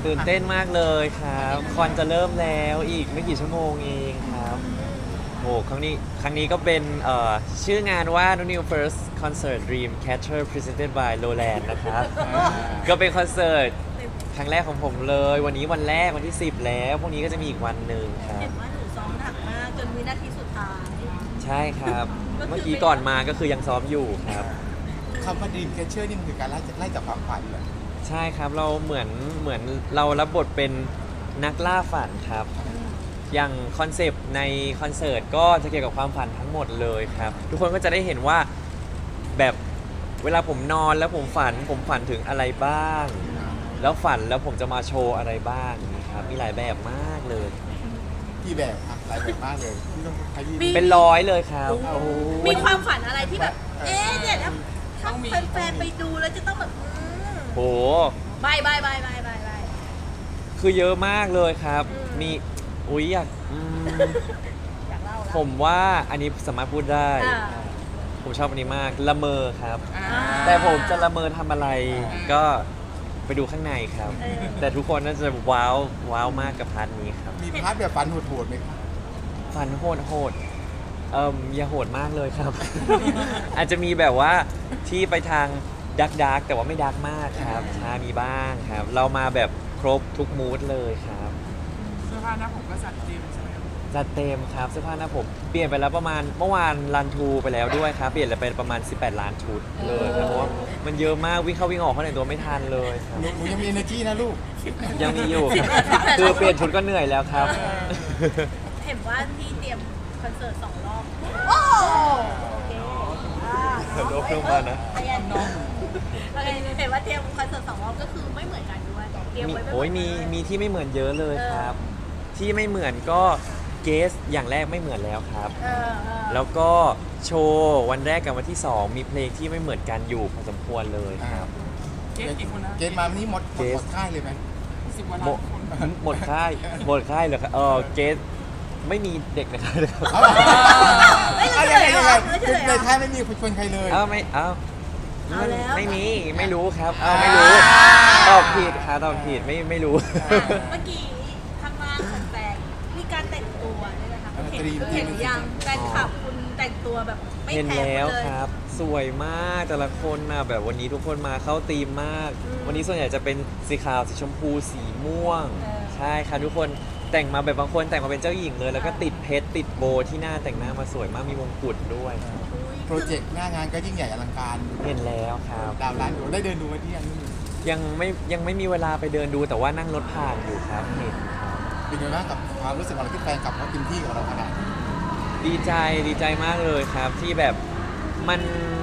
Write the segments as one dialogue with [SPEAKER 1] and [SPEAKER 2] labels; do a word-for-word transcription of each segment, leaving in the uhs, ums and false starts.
[SPEAKER 1] ตื่นเต้นมากเลยครับคอนจะเริ่มแล้วอีกไม่กี่ชั่วโมงเองครับโหครั้งนี้ครั้งนี้ก็เป็นเอ่อชื่องานว่า New First Concert Dream Catcher Presented by Lowland นะครับ ก็เป็นคอนเสิร์ตครั้งแรกของผมเลย วันนี้วันแรกวันที่สิบแล้วพรุ่งนี้ก็จะมีอีกวันหนึ่งครั
[SPEAKER 2] เห็
[SPEAKER 1] บ
[SPEAKER 2] นว่าหนูซ้อมหนักมากจนวินาทีสุดท้าย
[SPEAKER 1] ใช่ครับ เมื่อกี้ก่อนมาก็คือยังซ้อมอยู่ครับ
[SPEAKER 3] คำว่าดีมแคชเชอร์นี่มันคือการไล่ไล่จากความฝันเหรอ
[SPEAKER 1] ใช่ครับเราเหมือนเหมือนเรารับบทเป็นนักล่าฝันครับ อย่างคอนเซปต์ในคอนเสิร์ตก็จะเกี่ยวกับความฝันทั้งหมดเลยครับ ทุกคนก็จะได้เห็นว่าแบบเวลาผมนอนแล้วผมฝันผมฝันถึงอะไรบ้าง แล้วฝันแล้วผมจะมาโชว์อะไรบ้างนะครับมีหลายแบบมากเลย
[SPEAKER 3] กี่แบบอะหลายแบบมากเลยที่ต้องใช้ยี
[SPEAKER 1] เป็นร้อยเลยครับโอ้โห
[SPEAKER 2] มีความฝันอะไรที่แบบ เอ๊ะเนี่ยถ้าถ้าแฟนๆไปดูแล้วจะต้องแบบอืม
[SPEAKER 1] โห
[SPEAKER 2] บายบายบายบายบายบาย
[SPEAKER 1] คือเยอะมากเลยครับ
[SPEAKER 2] อืม
[SPEAKER 1] มีอุ้ยอยากอืม
[SPEAKER 2] อยากเล่าแล้ว
[SPEAKER 1] ผมว่าอันนี้สามารถพูดได้
[SPEAKER 2] อ่า
[SPEAKER 1] ผมชอบอันนี้มากละเมอครับ
[SPEAKER 2] อ่า
[SPEAKER 1] แต่ผมจะละเมอทำอะไรก็ไปดูข้างในครับ
[SPEAKER 2] เออ
[SPEAKER 1] แต่ทุกคนน่าจะว้าวว้าวมากกับพาร์ทนี้ครับ
[SPEAKER 3] มีพาร์ทแบบฝันโหดๆไหมครับ
[SPEAKER 1] ฟันโหดโหดเอ่มอย่าโหดมากเลยครับ อาจจะมีแบบว่าที่ไปทางดักดักแต่ว่าไม่ดักมากครับชามีบ้างครับ เรามาแบบครบทุกมูดเลยครับ
[SPEAKER 4] เสื้อผ้าหน้าผมก็จัดเต็มใช่ไหมครับ
[SPEAKER 1] จัดเต็มครับเสื้อผ้าหน้าผมเปลี่ยนไปแล้วประมาณเมื่อวานรันทูไปแล้วด้วยครับ เปลี่ยนไปประมาณสิบแปดล้านชุดเลยครับเพราะว่ามันเยอะมากวิ่งเข้าวิ่งออกเขาไหนตัวไม่ทันเลยครับ
[SPEAKER 3] หนูหนูยังมี energy นะลูก
[SPEAKER 1] ยังมีอยู่ครับคือเปลี่ยนชุดก็เหนื่อยแล้วครับ
[SPEAKER 2] เห็นว่าที่เตรียมคอนเสิร์ตสองรอบ โอ้โอเคอ่า
[SPEAKER 1] โลกเพิ่มมานะ
[SPEAKER 2] พยันน้องโอเคเห็นว่าเตรียมคอนเสิร์ตสองรอบก็คือไม่เหมือนกันด้วยเตรียม
[SPEAKER 1] มี
[SPEAKER 2] ไว้ไม่เห
[SPEAKER 1] โอ้
[SPEAKER 2] มื
[SPEAKER 1] ย
[SPEAKER 2] อน
[SPEAKER 1] มี
[SPEAKER 2] กัน
[SPEAKER 1] มีที่ไม่เหมือนเยอะเลยครับ ที่ไม่เหมือนก็เกสอย่างแรกไม่เหมือนแล้วครับ
[SPEAKER 2] เออเออ
[SPEAKER 1] แล้วก็โชว์วันแรกกับวันที่สองมีเพลงที่ไม่เหมือนกันอยู่พอสมควรเลยครับ
[SPEAKER 4] เก๊กกี่คนนะ
[SPEAKER 3] เกณฑ์มาวันนี้หมดหมด
[SPEAKER 1] เกณฑ์
[SPEAKER 3] หมดค่ายเลยไหม
[SPEAKER 4] สิบกว่า
[SPEAKER 1] หม
[SPEAKER 4] ล้า
[SPEAKER 1] ด
[SPEAKER 4] นคน
[SPEAKER 1] หมดค่ายหมดค่ายเลยครับเออเกสไม่มีเด็กนะครับ
[SPEAKER 3] เอา
[SPEAKER 2] เอ้ย
[SPEAKER 3] เอา
[SPEAKER 2] เฉ
[SPEAKER 3] ยัง
[SPEAKER 2] ล
[SPEAKER 3] ไง
[SPEAKER 2] ย
[SPEAKER 3] ยัง
[SPEAKER 2] เหร
[SPEAKER 3] ไง
[SPEAKER 2] อเฉลยเหรอ
[SPEAKER 3] ในค่ายไม่มีคนใครเลย
[SPEAKER 1] เอ้าไม่เอ้า
[SPEAKER 2] เอาแล้ว
[SPEAKER 1] ไม่มีไม่รู้ครับเอ้าไม่รู้ตอบผิดครับตอบผิดไม่ไม่รู้
[SPEAKER 2] เมื่อกี้ข้างล่างของแฟนมีการแต่งตัวด้วยนะคะ
[SPEAKER 3] เออ
[SPEAKER 2] เห็น
[SPEAKER 3] ตรีม
[SPEAKER 2] เห็นยังแฟนคลับคุณแต่งตัวแบบไม่
[SPEAKER 1] เห็น
[SPEAKER 2] แพ้
[SPEAKER 1] แล้ว
[SPEAKER 2] คนเลย
[SPEAKER 1] ครับ สวยมากแต่ละคนนะแบบวันนี้ทุกคนมาเข้าธีมมาก
[SPEAKER 2] อืม
[SPEAKER 1] วันนี้ส่วนใหญ่จะเป็นสีขาวสีชมพูสีม่วง
[SPEAKER 2] เออ
[SPEAKER 1] ใช่ครับทุกคนแต่งมาแบบบางคนแต่งมาเป็นเจ้าหญิงเลย แล้วก็ติดเพชรติดโบว์ที่หน้าแต่งหน้ามาสวยมากมีมงกุฎด้วย
[SPEAKER 2] อุ๊ย
[SPEAKER 3] โปรเจกต์หน้างานก็ยิ่งใหญ่อลังการ
[SPEAKER 1] เห็นแล้วครับ
[SPEAKER 3] ดาวล้านอยู่ได้เดินดูมาที่ยังนี่
[SPEAKER 1] ยังไม่ยังไม่มีเวลาไปเดินดูแต่ว่านั่งรถผ่านอยู่ครับเห็นครับ
[SPEAKER 3] เป็นยังไงบ้างกับความรู้สึกของเราที่แฟนกลับเขาเต็มที่กับเราขนาดนี้
[SPEAKER 1] ดีใจดีใจมากเลยครับ ที่แบบมัน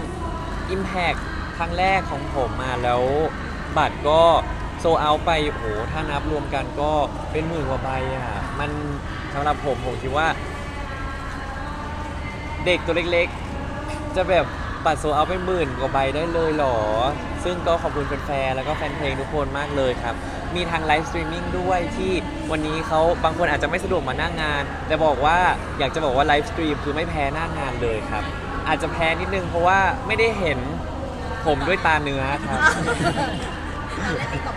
[SPEAKER 1] Impact ครั้งแรกของผมมาแล้วบัตรก็โซเอาไปโอ้โหถ้านับรวมกันก็เป็นหมื่นกว่าใบอ่ะมันสำหรับผมผมคิดว่า เด็กตัวเล็กๆ จะแบบบัตรโซเอาไปหมื่นกว่าใบได้เลยเหรอ ซึ่งก็ขอบคุณแฟนๆแล้วก็แฟนเพลงทุกคนมากเลยครับ มีทางไลฟ์สตรีมมิ่งด้วยที่วันนี้เขาบางคนอาจจะไม่สะดวกมาหน้างงาน แต่บอกว่าอยากจะบอกว่าไลฟ์สตรีมคือไม่แพ้หน้างงานเลยครับ อาจจะแพ้นิดนึงเพราะว่าไม่ได้เห็นผมด้วยตาเนื้อครับ
[SPEAKER 2] เราได้ติ๊กต็อก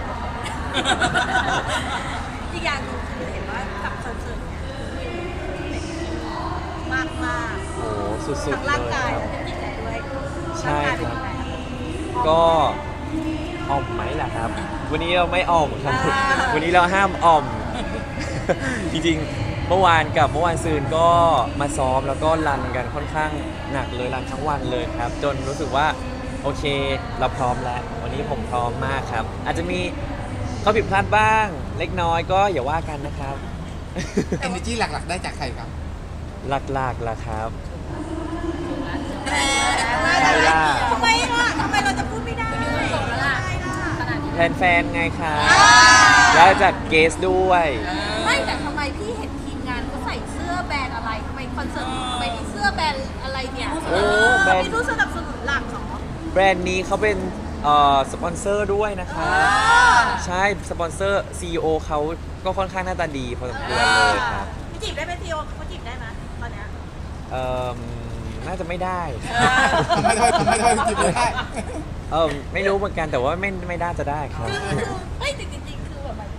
[SPEAKER 2] อีกอย่างหนึงคือเห็นว่ากับคอนเสิร์ตเนี่ยมากมาก
[SPEAKER 1] โอ้โหสุด
[SPEAKER 2] ทั้ง
[SPEAKER 1] ๆ
[SPEAKER 2] ร่าง
[SPEAKER 1] เลย
[SPEAKER 2] กาย
[SPEAKER 1] ครับ
[SPEAKER 2] และจิตใจด้วย
[SPEAKER 1] ใช่
[SPEAKER 2] ร่างกายเป็น
[SPEAKER 1] ครับ
[SPEAKER 2] ยังไง
[SPEAKER 1] ก็อ่อมไหมล่ะครับ วันนี้เราไม่อ่อมครับ
[SPEAKER 2] อ่า
[SPEAKER 1] วันนี้เราห้ามอ่อม จริงๆ เมื่อวานกับเมื่อวานซืนก็มาซ้อมแล้วก็รันกันค่อนข้างหนักเลยรันทั้งวันเลยครับ จนรู้สึกว่าโอเคเราพร้อมแล้ว วันนี้ผมพร้อมมากครับ อาจจะมีข้อผิดพลาดบ้าง เล็กน้อยก็อย่าว่ากันนะครับ
[SPEAKER 3] เอเนจีหลักๆได้จากใครครับ
[SPEAKER 1] หลักๆล่ะครับ
[SPEAKER 2] แหม
[SPEAKER 1] ใช่ล่ะ
[SPEAKER 2] ทำไมล่ะทำไมเราจะพูดไม่ได้จบแล้วล่ะขนาดนี้
[SPEAKER 1] แฟนๆไงครับ
[SPEAKER 2] อ่า
[SPEAKER 1] แล้วจากเกสด้วย
[SPEAKER 2] ไม่แต่ทำไมพี่เห็นทีมงานเขาใส่เสื้อแบรนด์อะไรทำไมคอนเสิร์ตทำไมมีเสื้อแบรนด์อะไรเนี่ย
[SPEAKER 1] โอ้แบรนด์
[SPEAKER 2] มีผู้สนับสนุนหลักเหรอ
[SPEAKER 1] แบรนด์นี้เขาเป็นเอ่อสปอนเซอร์ด้วยนะครับ ใช่ สปอนเซอร์ ซี อี โอ เขาก็ค่อนข้างหน้าตาดีพอสมควรเลยครับ
[SPEAKER 2] พี่จีบได้ไหมซีโอเขาจีบได้ไหมตอนเนี้ย
[SPEAKER 1] เอ่อน่าจะไม่ได้
[SPEAKER 3] ทำไมทำไมทำไมทำไมจีบไม่ได้
[SPEAKER 1] เออไม่รู้เหมือนกันแต่ว่าไม่ไม่น่าจะได้ครับ
[SPEAKER 2] คือคือเฮ้ยแต่จริงๆคือแบบหมายถึง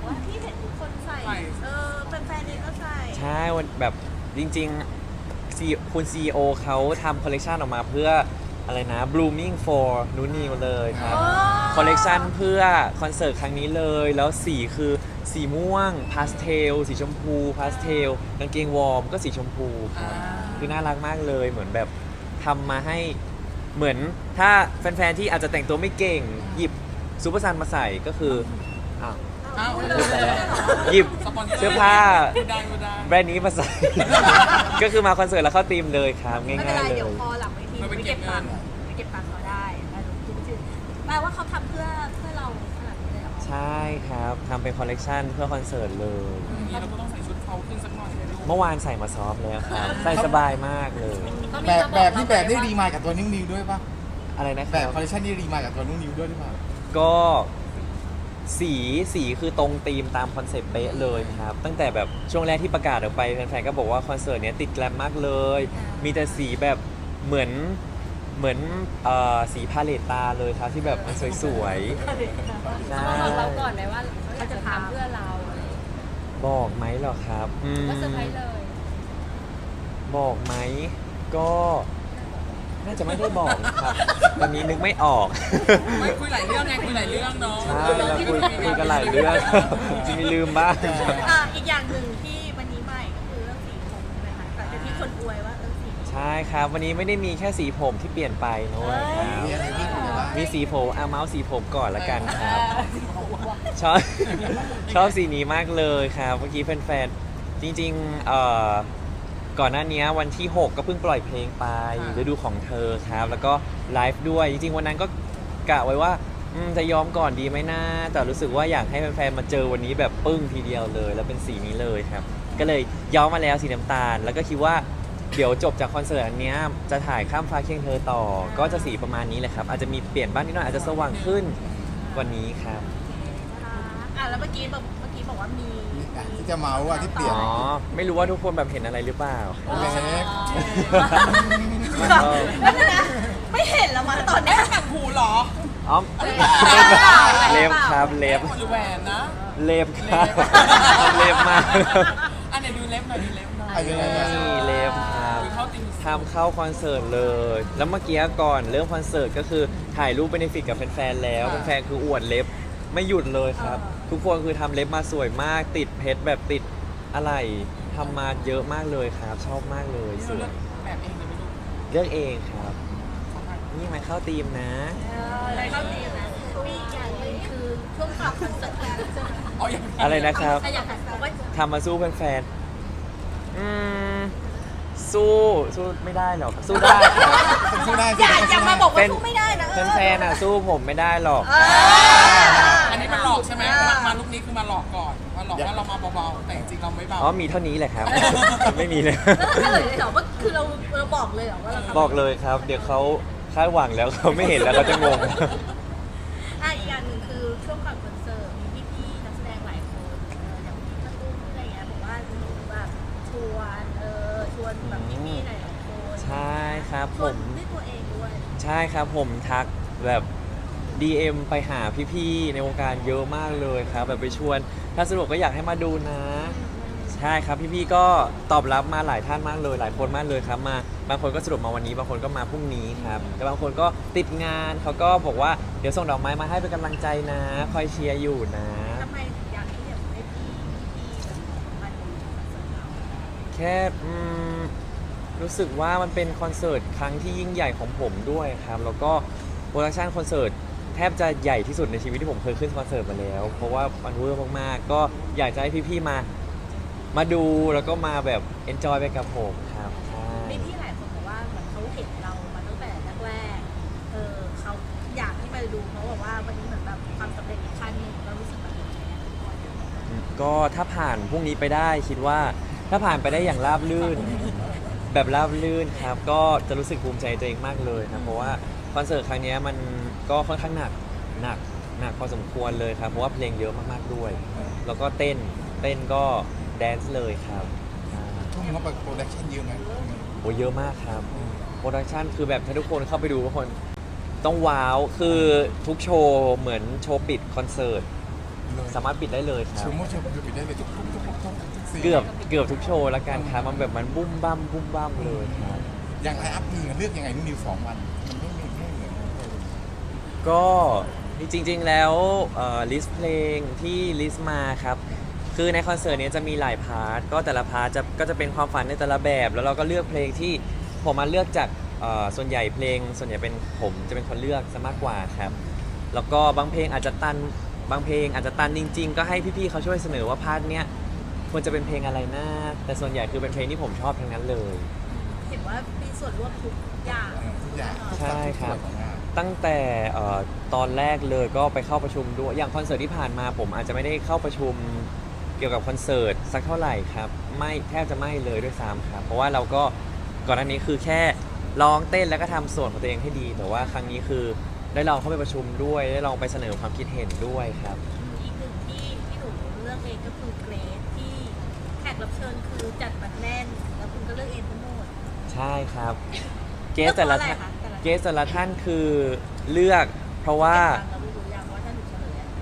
[SPEAKER 2] ว่าที่เห็นทุกคนใส่ เออแฟนๆเองก็ใส่
[SPEAKER 1] ใช่วันแบบจริงๆ C- คุณ ซี อี โอ เขาทำคอลเลกชันออกมาเพื่ออะไรนะ blooming for นูนิวเลยครับ
[SPEAKER 2] อ๋อ
[SPEAKER 1] คอลเลกชันเพื่อคอนเสิร์ตครั้งนี้เลย แล้วสีคือสีม่วงพาสเทลสีชมพูพาสเทลกางเกงวอร์มก็สีชมพูครับคือน่ารักมากเลยเหมือนแบบทำมาให้เหมือนถ้าแฟนๆที่อาจจะแต่งตัวไม่เก่ง หยิบซูเปอร์ซันมาใส่ก็คืออ้าว
[SPEAKER 4] อ้าว
[SPEAKER 1] พูดไปแล้วหยิบ
[SPEAKER 4] สปอนเซอร์
[SPEAKER 1] เสื้อผ้า
[SPEAKER 4] พูดได้พูดได้
[SPEAKER 1] แบรนด์นี้มาใส่ ก็คือมาคอนเสิร์ตแล้วเข้าธีมเลยครับง่
[SPEAKER 2] ไม่เป็น
[SPEAKER 1] าย
[SPEAKER 2] ไร
[SPEAKER 1] ๆเล
[SPEAKER 2] เดี๋ยวย พอหลังเวทีไปเก็บตังค์ไปเก็บตังค์เขาได้แล้วคิดไม่ถึงแปลว่าเขาทำเพื่อเพื่อเราขนาดนี้เลยเหรอ
[SPEAKER 1] ใช่ครับทำเป็นคอลเลกชันเพื่อคอนเสิร์ตเลย
[SPEAKER 4] อย่างนี้เราก็ต้องใส่ชุดเขาขึ้นสักหน่อยเลยลูก
[SPEAKER 1] เมื่อวานใส่มาซ้อมแล้วครับ ใส่สบายมากเลย
[SPEAKER 3] แบบแบบที่แบบได้รีมายกับตัวนิ้วนิวด้วยปะ
[SPEAKER 1] อะไรนะค
[SPEAKER 3] แบ
[SPEAKER 1] รั
[SPEAKER 3] บบ คอลเลคชันนี้รีมายกับตัวนิ้วนิวด้วยหรือเปล่า
[SPEAKER 1] ก็สีสีคือตรงธีมตามคอนเซ็ปต์เป๊ะเลยครับ ตั้งแต่แบบช่วงแรกที่ประกาศออกไปแฟนๆก็บอกว่าคอนเสิร์ตเนี้ยติดแกลมมากเลย มีแต่สีแบบเหมือนเหมือนเอ่อสีพาเลตตาเลยครับที่แบบมันสวยๆใช่
[SPEAKER 5] บอกเราก่อนไหมว่าเขาจะทำเพื่อเราอะไรอย่างเงี้ย
[SPEAKER 1] บอกไหมเหรอครับอืม
[SPEAKER 5] ก็เซอร์ไพรส์เลย
[SPEAKER 1] บอกไหมก็น่าจะไม่ได้บอกนะครับตอนนี้นึกไม่ออก
[SPEAKER 4] ไม่คุยหลายเรื่องไงคุยหลายเรื่องเนาะ
[SPEAKER 1] ใช่เราคุยคุยกันหลายเรื่องจริงๆลืมบ้าง
[SPEAKER 2] อ่ะอีกอย่างหนึ่งที่วันนี้ใหม่ก็คือเรื่องสีผมใช่ไหมคะแต่ที่คนอวยว่าเออสี
[SPEAKER 1] ใช่ครับ วันนี้ไม่ได้มีแค่สีผมที่เปลี่ยนไปนะเว้ยครับ
[SPEAKER 3] มีอะไรบ้างมีอะไรบ้าง
[SPEAKER 1] มีสีผมเอาเมาส์สีผมก่อนละกันครับชอบ ชอบสีนี้มากเลยครับเมื่อกี้แฟนๆจริงๆเอ่อก่อนหน้านี้วันที่ หก ก็เพิ่งปล่อยเพลงไปฤดูของเธอครับ แล้วก็ไลฟ์ด้วยจริงๆวันนั้นก็กะไว้ว่าอืมจะยอมก่อนดีไหมนะแต่รู้สึกว่าอยากให้แฟนๆมาเจอวันนี้แบบปึ้งทีเดียวเลย แล้วเป็นสีนี้เลยครับ ก็เลยย้อมมาแล้วสีน้ำตาล แล้วก็คิดว่าเดี๋ยวจบจากคอนเสิร์ตอันเนี้ยจะถ่ายข้ามฟ้าเคียงเธอต่อ ก็จะสีประมาณนี้แหละครับ อาจจะมีเปลี่ยนบ้างนิดหน่อยอาจจะสว่างขึ้นกว่านี้ครับ
[SPEAKER 2] อ่ะแล้วเมื่อกี้แบบเมื่อกี้บอกว่ามี
[SPEAKER 3] ที่จะเมาส์ว่าที่เปลี่ยน
[SPEAKER 1] อ๋อ ไม่รู้ว่าทุกคนแบบเห็นอะไรหรือเปล่า
[SPEAKER 3] เล็บ
[SPEAKER 1] มันก็
[SPEAKER 2] นั่นนะไม่เห็นแล้วมาตอนเนี้ย
[SPEAKER 4] ต่างหูเหรอ
[SPEAKER 1] อ๋อเล็บครับเล็บ
[SPEAKER 4] หรือแหวนนะ
[SPEAKER 1] เล็บครับเล็บมาก
[SPEAKER 4] อันไหนดูเล็บหน่อยดูเล็บหน่อย
[SPEAKER 3] อ่ะยังไงนะ
[SPEAKER 1] นี่เล็บครับ
[SPEAKER 4] ดูเข้าติง
[SPEAKER 1] ทำเข้าคอนเสิร์ตเลย แล้วเมื่อกี้ก่อนเริ่มคอนเสิร์ตก็คือถ่ายรูปเบเนฟิตกับแฟนๆแล้วแฟนๆคืออวดเล็บไม่หยุดเลยครับ ทุกคนคือทำเล็บมาสวยมาก ติดเพชรแบบติดอะไรทำมาเยอะมากเลยครับ ชอบมากเลย
[SPEAKER 4] นี่
[SPEAKER 1] ส
[SPEAKER 4] เรา
[SPEAKER 1] ว
[SPEAKER 4] เลือย กแบบเองเลยไม่รู้
[SPEAKER 1] เลือกเองครับ นี่มันเข้าธีมนะ
[SPEAKER 2] อะไรเข้าตีนะมีอีกอย่างหนึงคือช่วงขับคอนเสิร์ตแล้วใช่ไหม
[SPEAKER 4] อ๋อยัง
[SPEAKER 1] อะไรนะครับ
[SPEAKER 2] อ่ะอยากถามว่า
[SPEAKER 1] ทำมาสู้แฟนๆอืมสู้สู้ไม่ได้หรอก สู้ได้ครับ
[SPEAKER 3] สู้ได้
[SPEAKER 2] อย่าอย่ามาบอกว่า
[SPEAKER 1] เป็น
[SPEAKER 2] สู้ไม่ได้นะเออ
[SPEAKER 1] แฟนๆอ่ะสู้ผมไม่ได้หรอก
[SPEAKER 2] เออ
[SPEAKER 4] อันนี้มันหลอกใช่ไหมมามาลุกนี้คือมาหลอกก่อนมาหลอกว่าเรามาเบาๆแต่จริงๆเราไม่เบา
[SPEAKER 1] อ๋อมีเท่านี้แหละครับ ไม่มีเลย
[SPEAKER 2] แล้วก็เลยเหรอว่าคือเราเราบอกเลยเหรอว่าเราทำ
[SPEAKER 1] บอกเลยครับ เดี๋ยวเขาคาดหวังแล้วเขาไม่เห็นแล้วเขาจะงง
[SPEAKER 2] อ่ะอีกอย่างหนึ่งคือช่วงก่อนคอนเสิร์ตมีพี่ๆนักแสดงหลายคนเอออย่างพี่กระตุ้นอะไรอย่างเงี้ยบอกว่าหนูแบบชวนเออชวนแบบพี่ๆหลายๆคน
[SPEAKER 1] ใช่ครับ
[SPEAKER 2] ช
[SPEAKER 1] ผ
[SPEAKER 2] วน
[SPEAKER 1] ม
[SPEAKER 2] ด้วยตัวเองด้วย
[SPEAKER 1] ใช่ครับผมทักแบบ ดี เอ็ม ไปหาพี่ๆในวงการเยอะมากเลยครับ แบบไปชวน ถ้าสะดวกก็อยากให้มาดูนะ ใช่ครับพี่ๆก็ตอบรับมาหลายท่านมากเลย หลายคนมากเลยครับมาบางคนก็สะดวกมาวันนี้บางคนก็มาพรุ่งนี้ครับแต่บางคนก็ติดงานเขาก็บอกว่าเดี๋ยวส่งดอกไม้มาให้เป็นกำลังใจนะ คอยเชียร์อยู่นะ
[SPEAKER 2] ทำไมถึงอยากที่แบบให้พี่พี่มาดูคอนเสิร์ตเรา
[SPEAKER 1] แค่อืมรู้สึกว่ามันเป็นคอนเสิร์ตครั้งที่ยิ่งใหญ่ของผมด้วยครับแล้วก็โปรดักชันคอนเสิร์ตแทบจะใหญ่ที่สุดในชีวิตที่ผมเคยขึ้นคอนเสิร์ตมาแล้ว เพราะว่ามันเวอร์มากๆ ก็อยากจะให้พี่ๆมา มาดูแล้วก็มาแบบเอนจอยไปกับผมครับใช่
[SPEAKER 2] มีพี่หลายคนบอกว่าเหมือนเขาเห็นเรามาตั้งแต่แรกๆเออเขาอยากให้มาดูเพราะบอกว่าวันนี้เหมือนแบบความสำเร็จอีกขั้นหนึ่งเรารู้สึกแบบนี้ไหมอะ
[SPEAKER 1] ก็ถ้าผ่านพรุ่งนี้ไปได้คิดว่าถ้าผ่านไปได้อย่างราบรื่น แบบราบรื่นครับ ก็จะรู้สึกภูมิใจตัวเองมากเลยครับเพราะว่าคอนเสิร์ตครั้งนี้มันก็ค่อนข้างหนักหนักหนักพอสมควรเลยครับเพราะว่าเพลงเยอะมากๆด้วย แล้วก็เต้นเต้นก็แดนซ์เลยครับอ่า
[SPEAKER 3] ทุ่มงบโปรดักชั่นเยอะไหม
[SPEAKER 1] โอ้เยอะมากครับโปรดักชันคือแบบถ้าทุกคนเข้าไปดูทุกคนต้องว้าวคือทุกโชว์เหมือนโชว์ปิดคอนเสิร์ตสามารถปิดได้เลยครั
[SPEAKER 3] ช
[SPEAKER 1] บ
[SPEAKER 3] มว่าชมคือปิดได้เลยทุกทุกทุกทุกทุกทุกซีน
[SPEAKER 1] เกือบเกือบทุกโชว์แล้วกันครับมันแบบมันบุ้มบ้ามบุ้มบ้ามเลยครับ
[SPEAKER 3] อย่างไลน์อัพเพลงเลือกยังไงนู่นนิวสองวันมันไม่ไม่ไม่เหมือนกันเลย
[SPEAKER 1] ก็จริงๆแล้วลิสต์เพลงที่ลิสต์มาครับคือในคอนเสิร์ตนี้จะมีหลายพาร์ทก็แต่ละพาร์ทจะก็จะเป็นความฝันในแต่ละแบบ แล้วเราก็เลือกเพลงที่ผมมาเลือกจากเอ่อส่วนใหญ่เพลง ส่วนใหญ่เป็นผมจะเป็นคนเลือกซะมากกว่าครับแล้วก็บางเพลงอาจจะตันบางเพลงอาจจะตันจริง ๆ ก็ให้พี่ๆเขาช่วยเสนอว่าพาร์ทเนี้ยควรจะเป็นเพลงอะไรนะแต่ส่วนใหญ่คือเป็นเพลงที่ผมชอบทั้งนั้นเลย
[SPEAKER 2] เห็นว่ามีส่วนร่วมทุกอย่าง
[SPEAKER 3] เออทุกอย่างทุก
[SPEAKER 1] ใช่
[SPEAKER 3] ทุก
[SPEAKER 1] ครั
[SPEAKER 3] ส่ว
[SPEAKER 1] บ
[SPEAKER 3] นของงาน
[SPEAKER 1] ตั้งแต่เอ่อตอนแรกเลยก็ไปเข้าประชุมด้วยอย่างคอนเสิร์ตที่ผ่านมาผมอาจจะไม่ได้เข้าประชุมเกี่ยวกับคอนเสิร์ตสักเท่าไหร่ครับไม่แทบจะไม่เลยด้วยซ้ำครับเพราะว่าเราก็ก่อนหน้านี้คือแค่ร้องเต้นแล้วก็ทำส่วนของตัวเองให้ดี แต่ว่าครั้งนี้คือได้ลองเข้าไปประชุมด้วยได้ลองไปเสนอความคิดเห็นด้วยครับ
[SPEAKER 2] อีกหนึ่งที่ที่หนูเลือกเองก็คือเกรซที่แขกรับเชิญคือจัดมาแน่น แล้วคุณก็เลือกเองทั้งหมด
[SPEAKER 1] ใช่ครับเกสแต่ละท่าน
[SPEAKER 2] เลือกเพราะอะไรคะแต่ละ
[SPEAKER 1] เกสแต่ละท่านคือเลือกเพราะว่า
[SPEAKER 2] เรารู้อย่างว่าถ้าหนูเฉลยอะ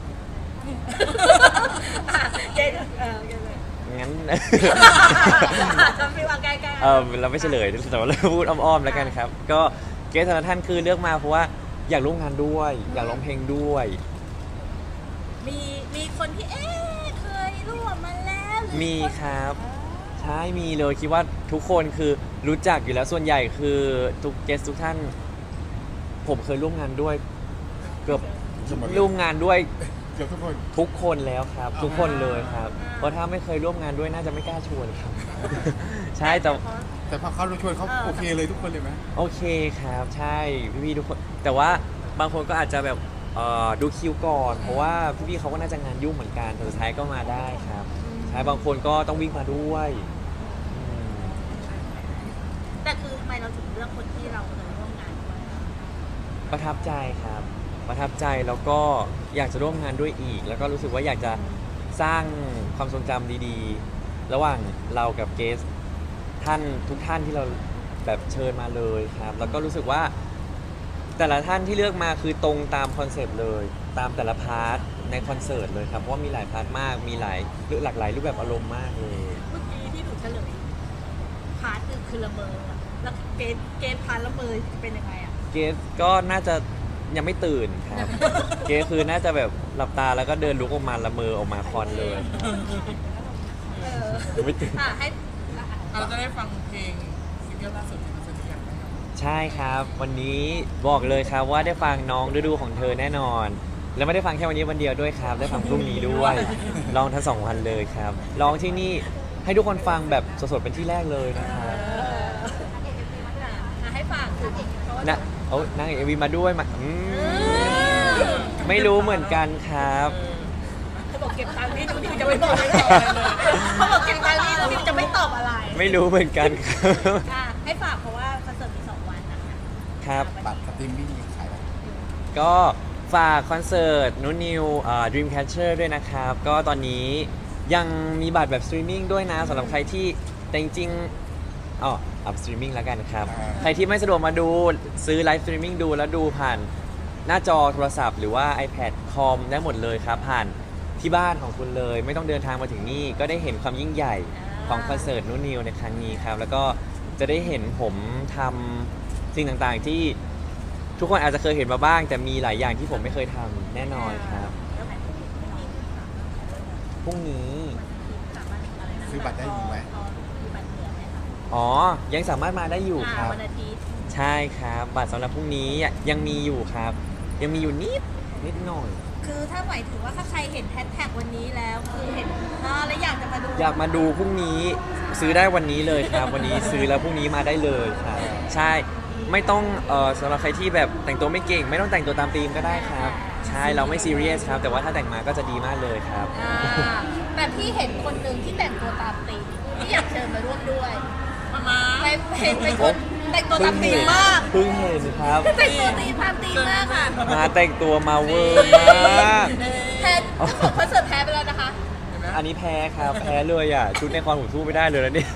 [SPEAKER 2] อ่ะเกรซเออเกรซเลย
[SPEAKER 1] งั้น
[SPEAKER 2] จำพี่ว่าใกล้ๆ
[SPEAKER 1] เออเราไม่เฉลยแต่ว่าเราพูดอ้อมๆแล้วกันครับ ก็เกสแต่ละท่านคือเลือกมาเพราะว่าอยากร่วมงานด้วย อยากร้องเพลงด้วย
[SPEAKER 2] มีมีคนที่เอ๊ะเคยร่วมมาแล้วหรือ
[SPEAKER 1] มี
[SPEAKER 2] น
[SPEAKER 1] ครับ
[SPEAKER 2] อ่า
[SPEAKER 1] ใช่มีเลยคิดว่าทุกคนคือรู้จักอยู่แล้วส่วนใหญ่คือทุกเกสทุกท่าน ผมเคยร่วมงานด้วย เกือบร่วมงานด้วย
[SPEAKER 3] เกือบทุกคน
[SPEAKER 1] ทุกคนแล้วครับ ทุกคนเลยครับ
[SPEAKER 2] อ่า
[SPEAKER 1] เพราะถ้าไม่เคยร่วมงานด้วยน่าจะไม่กล้าชวนครับ ใช่แต่
[SPEAKER 3] แต่พอเขาชวนเขาโอเคเลยทุกคนเลยไหม
[SPEAKER 1] โอเคครับใช่พี่ๆทุกคนแต่ว่าบางคนก็อาจจะแบบเอ่อดูคิวก่อน เพราะว่าพี่ๆเขาก็น่าจะงานยุ่งเหมือนกันแต่สุดท้ายก็มาได้ครับใช่บางคนก็ต้องวิ่งมาด้วยอืม
[SPEAKER 2] แต่คือทำไมเราถึงเลือกคนที่เราเคยร่วมงานด้วยอะ
[SPEAKER 1] ประทับใจครับ ประทับใจแล้วก็อยากจะร่วมงานด้วยอีก แล้วก็รู้สึกว่าอยากจะสร้างความทรงจำดีๆ ระหว่างเรากับเกสท่านทุกท่านที่เราแบบเชิญมาเลยครับ แล้วก็รู้สึกว่า แต่ละท่านที่เลือกมาคือตรงตามคอนเซปต์เลย ตามแต่ละพาร์ทในคอนเสิร์ตเลยครับเพราะว่ามีหลายพาร์ทมากมีหลายหลากหลายรูปแบบอารมณ์มากเลย
[SPEAKER 2] เมื่อกี้ที่หนูเฉลยพาร์ทหนึ่งคือละเมออะแล้วเกณฑ์เกณฑ์พาร์ทละเมอเป็นยังไงอ่ะ
[SPEAKER 1] เกสก็น่าจะยังไม่ตื่นครับ เกสคือน่าจะแบบหลับตาแล้วก็เดินลุกออกมาละเมอออกมาคอนเลย
[SPEAKER 2] เออ
[SPEAKER 1] ยังไม่ตื่น
[SPEAKER 2] อ่ะให้
[SPEAKER 4] เราจะได้ฟังเพลงซิงเกิลล่าสุดที่เราจะเรียนไหมครับ
[SPEAKER 1] ใช่ครับ วันนี้บอกเลยครับว่าได้ฟังน้องฤดูของเธอแน่นอน แล้วไม่ได้ฟังแค่วันนี้วันเดียวด้วยครับ ได้ฟังพรุ่งนี้ด้วยร้องทั้งสองวันเลยครับร้องที่นี่ให้ทุกคนฟังแบบสดๆเป็นที่แรกเลยนะครับ
[SPEAKER 2] เอออ่ะให้ฝากคือเพราะว่า
[SPEAKER 1] นะโอ้นางเอกเอวีมาด้วยมาอืม
[SPEAKER 2] เออ
[SPEAKER 1] ไม่รู้เหมือนกันครับ
[SPEAKER 2] เขาบอกเก็บตังค์นี่หนูนิวจะไม่บอกอะไรเลยเขาบอกเก็บตังค์นี่หนูนิวจะไม่ตอบอะไร
[SPEAKER 1] ไม่รู้เหมือนกันครับ
[SPEAKER 2] อ่ะให้ฝากเพราะว่าคอนเสิร์ตมีสองวันนะคะ
[SPEAKER 1] ครับ
[SPEAKER 3] บัตรสตรีมมิ่งขายแล้ว
[SPEAKER 1] ก็ฝากคอนเสิร์ตนุนิวเอ่อ Dreamcatcher ด้วยนะครับ ก็ตอนนี้ยังมีบัตรแบบสตรีมมิ่งด้วยนะสำหรับใครที่แต่จริงๆอ๋ออัพสตรีมมิ่งแล้วกันครับ ใครที่ไม่สะดวกมาดูซื้อไลฟ์สตรีมมิ่งดูแล้วดูผ่านหน้าจอโทรศัพท์หรือว่า iPad คอมได้หมดเลยครับ ผ่านที่บ้านของคุณเลย ไม่ต้องเดินทางมาถึงนี่ ก็ได้เห็นความยิ่งใหญ่ของคอนเสิร์ตนุนิวในครั้งนี้ครับ แล้วก็จะได้เห็นผมทำสิ่งต่างๆที่ทุกคนอาจจะเคยเห็นมาบ้าง แต่มีหลายอย่างที่ผมไม่เคยทำแน่นอนครับ
[SPEAKER 2] แล้วไหนพรุ่งนี้ไม่มีค่ะ
[SPEAKER 1] พรุ่งนี้
[SPEAKER 2] สามารถอะไรนะ
[SPEAKER 3] ซื้อบัตรได้อยู่ไหม
[SPEAKER 2] พอมีบัตรเหลือไหมคะ
[SPEAKER 1] อ๋อ ยังสามารถมาได้อยู่ค
[SPEAKER 2] อ่า
[SPEAKER 1] รับ
[SPEAKER 2] วันอาทิตย์
[SPEAKER 1] ใช่ครับ บัตรสำหรับพรุ่งนี้ยังมีอยู่ครับ ยังมีอยู่นิดนิดหน่อย
[SPEAKER 2] คือถ้าหมายถึงว่าถ้าใครเห็นแฮชแท็กวันนี้แล้วคือเห็นอ่าแล้วอยากจะมาดู
[SPEAKER 1] อยากมาดูพรุ่งนี้ซื้อได้วันนี้เลยครับ วันนี้ซื้อแล้วพรุ่งนี้มาได้เลยครับ ใช่ไม่ต้องเอ่อสำหรับใครที่แบบแต่งตัวไม่เก่ง ไม่ต้องแต่งตัวตามธีมก็ได้ครับ ใช่เราไม่ซีเรียสครับ แต่ว่าถ้าแต่งมาก็จะดีมากเลยครับ
[SPEAKER 2] อ่าแต่พี่เห็นคนหนึ่งที่แต่งตัวตามธีมที่อยากเชิญมาร่วมด้วย
[SPEAKER 4] มามา
[SPEAKER 2] ไปเห็นเป็นคนแต่งตัวตามธีมมาก
[SPEAKER 1] เพิ่งเห็นครับ
[SPEAKER 2] แต่งตัวตีมตามธีมมากค่ะ
[SPEAKER 1] มาแต่งตัวมาเวอร์มาก
[SPEAKER 2] แพ้ของคอนเสิร์ตแพ้ไปแล้วนะคะ
[SPEAKER 4] เห็นไหม
[SPEAKER 1] อันนี้แพ้ครับ แพ้เลยอ่ะ ชุดในคอนผมสู้ไม่ได้เลยนะเนี่ย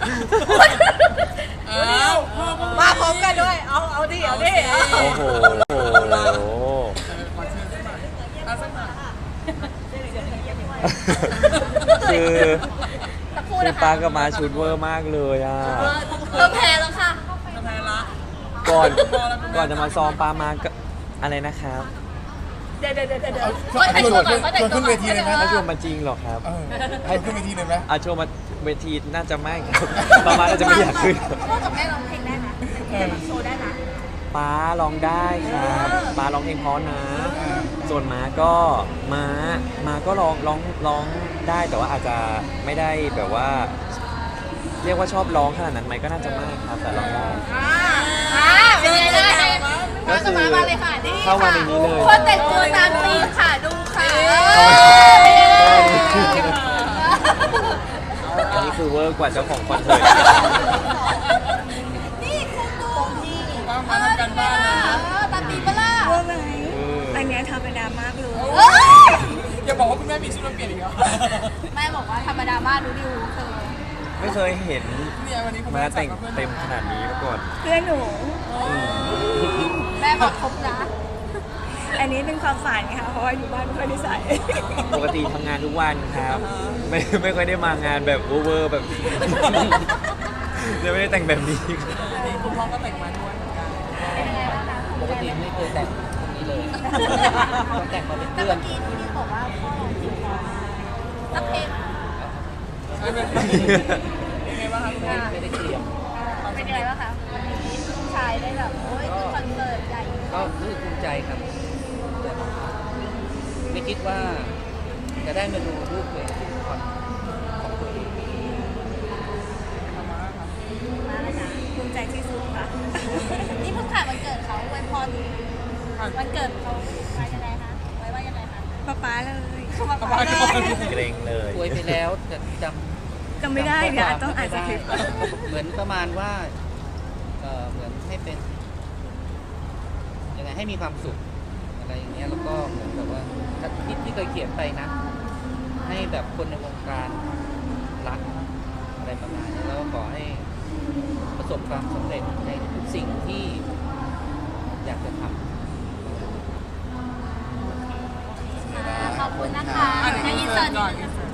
[SPEAKER 4] อ้าวพ่อก็
[SPEAKER 2] มาพร้อมกันด้วย เอา เอาดิ เอาดิเอา
[SPEAKER 1] โอ้โห
[SPEAKER 4] เออขอเชิญสักหน่อยเอาสักหน่อย
[SPEAKER 1] คือ
[SPEAKER 2] สักครู่
[SPEAKER 1] คือ
[SPEAKER 2] นะคะ
[SPEAKER 1] ปากับมาชุดเวอร์มากเลยอ่ะ
[SPEAKER 2] เออเธอแพ้แล้วค่ะ
[SPEAKER 4] จะแพ้ละ
[SPEAKER 1] ก่อนก่อนจะมาซ้อมปามาก็อะไรนะครับ
[SPEAKER 2] เดี๋ยวเดี๋ยวเดี๋ยวเดี๋ยว
[SPEAKER 3] เอาให้ชวนชวนขึ้นเวทีเลยไหม
[SPEAKER 1] ถ้าชวนมาจริงเหรอครับ
[SPEAKER 3] เออให้ขึ้นเวทีเลยไหม
[SPEAKER 1] อาชวนมาเวทีน่าจะไม่ครับประมาณน่าจะไม่อยากขึ้น
[SPEAKER 2] พ่อกับแม่ร้องเพลงได้ไหมโชว์ได้ไหม
[SPEAKER 1] ป้าร้องได้ครับป้าร้องเพลงเพราะนะ ส่วนม้าก็ม้าม้าก็ร้องร้องร้องได้แต่ว่าอาจจะไม่ได้แบบว่า เรียกว่าชอบร้องขนาดนั้นไหมก็น่าจะไม่ครับแต่ร้องได้
[SPEAKER 2] อ่าอ่าเป็นไงล่ะ
[SPEAKER 1] ก็คือ
[SPEAKER 2] มามาเลยค่ะนี่
[SPEAKER 1] เข้ามาในนี้เลย
[SPEAKER 2] คนแต่งตัวตามธีมค่ะดูค่ะ
[SPEAKER 1] อันนี้คือเวอร์กว่าเจ้าของคอนเสิร์ต
[SPEAKER 2] นี่คุณดู
[SPEAKER 4] ว่ามาทำกันบ้านนะ
[SPEAKER 2] เออตามธีมปะล่ะ
[SPEAKER 6] ว่าไหม
[SPEAKER 1] เออ
[SPEAKER 6] อันเนี้ยธรรมดามากเลย
[SPEAKER 2] เอ้ย
[SPEAKER 4] อย่าบอกว่าคุณแม่มีชุดมาเปลี่ยนอีกเหรอ
[SPEAKER 2] แม่บอกว่าธรรมดามากดูดิวเธอ
[SPEAKER 1] ไม่เคยเห็น
[SPEAKER 4] เนี่ยวันนี้คุณ
[SPEAKER 1] ม้า
[SPEAKER 4] แม่
[SPEAKER 1] แต่ง
[SPEAKER 4] จัดกับพื่อน
[SPEAKER 1] เต็มขนาดนี้มาก่อน
[SPEAKER 6] เพื่อนหนู
[SPEAKER 2] แม่บอกครบนะ
[SPEAKER 6] อันนี้เป็นความฝันค่ะ เพราะว่าอยู่บ้านไม่ค่อยได้ใส่
[SPEAKER 1] ปกติทำงานทุกวันครับ ไม่ไม่ค่อยได้มางานแบบโอเวอร์แบบ เลยไม่ได้แต่งแบบนี้
[SPEAKER 4] นี่คุณพ่อก็แต่งมาด้วยเหมือนกัน
[SPEAKER 7] ปกติไม่เคยแต่งตรงนี้เลย ต้องแต่งมาเป็น
[SPEAKER 2] แต่
[SPEAKER 7] เพื่อ
[SPEAKER 2] เมื่
[SPEAKER 7] น
[SPEAKER 2] อกี้ที่นี่บอกว่าพ่อร้องเพลงสักเพลง
[SPEAKER 4] ไม่เป็นยังไงบ้างคะคุณแม่
[SPEAKER 7] ไม่ได้เตรียม
[SPEAKER 2] เป็นยังไงบ้างคะวันนี้ลูกชายได้แบบโอ้ยคือคอนเสิร์ตใหญ่
[SPEAKER 7] ก็รู้สึกภูมิใจครับแต่ไม่คิดว่าจะได้มาดูรูปตัวเองที่คอนของตัวเอง
[SPEAKER 2] มากเลยนะ
[SPEAKER 6] ภูมิใจที่สุดค่ะ
[SPEAKER 2] นี่เพิ่งผ่านวันเกิดเขาอวยพรวันเกิดเขามายังไงคะไว้ว่ายังไงคะ
[SPEAKER 6] ป๊าป๊าเลย
[SPEAKER 2] มาขอเลย
[SPEAKER 1] เกรงเลย
[SPEAKER 7] ป่วยไปแล้วแต่จำ
[SPEAKER 6] จำไม่ได้เดี๋ยวอาจต้องอ่านสคริปต์
[SPEAKER 7] เหมือนประมาณว่าเอ่อเหมือนให้เป็นยังไงให้มีความสุขอะไรอย่างเงี้ยแล้วก็เหมือนแบบว่าที่ที่เคยเขียนไปนะ ให้แบบคนในวงการรักอะไรประมาณนี้แล้วก็ขอให้ประสบความสำเร็จในทุกสิ่งที่อยากจะทำ
[SPEAKER 2] ขอบคุณนะคะ
[SPEAKER 4] อันนี้
[SPEAKER 2] ใน
[SPEAKER 4] อิ
[SPEAKER 2] อิ
[SPEAKER 4] น
[SPEAKER 2] น
[SPEAKER 4] เสิ
[SPEAKER 2] เสิ
[SPEAKER 4] ร์
[SPEAKER 2] ร์
[SPEAKER 4] ต
[SPEAKER 2] ต
[SPEAKER 4] ก่อนอินเสิร์ต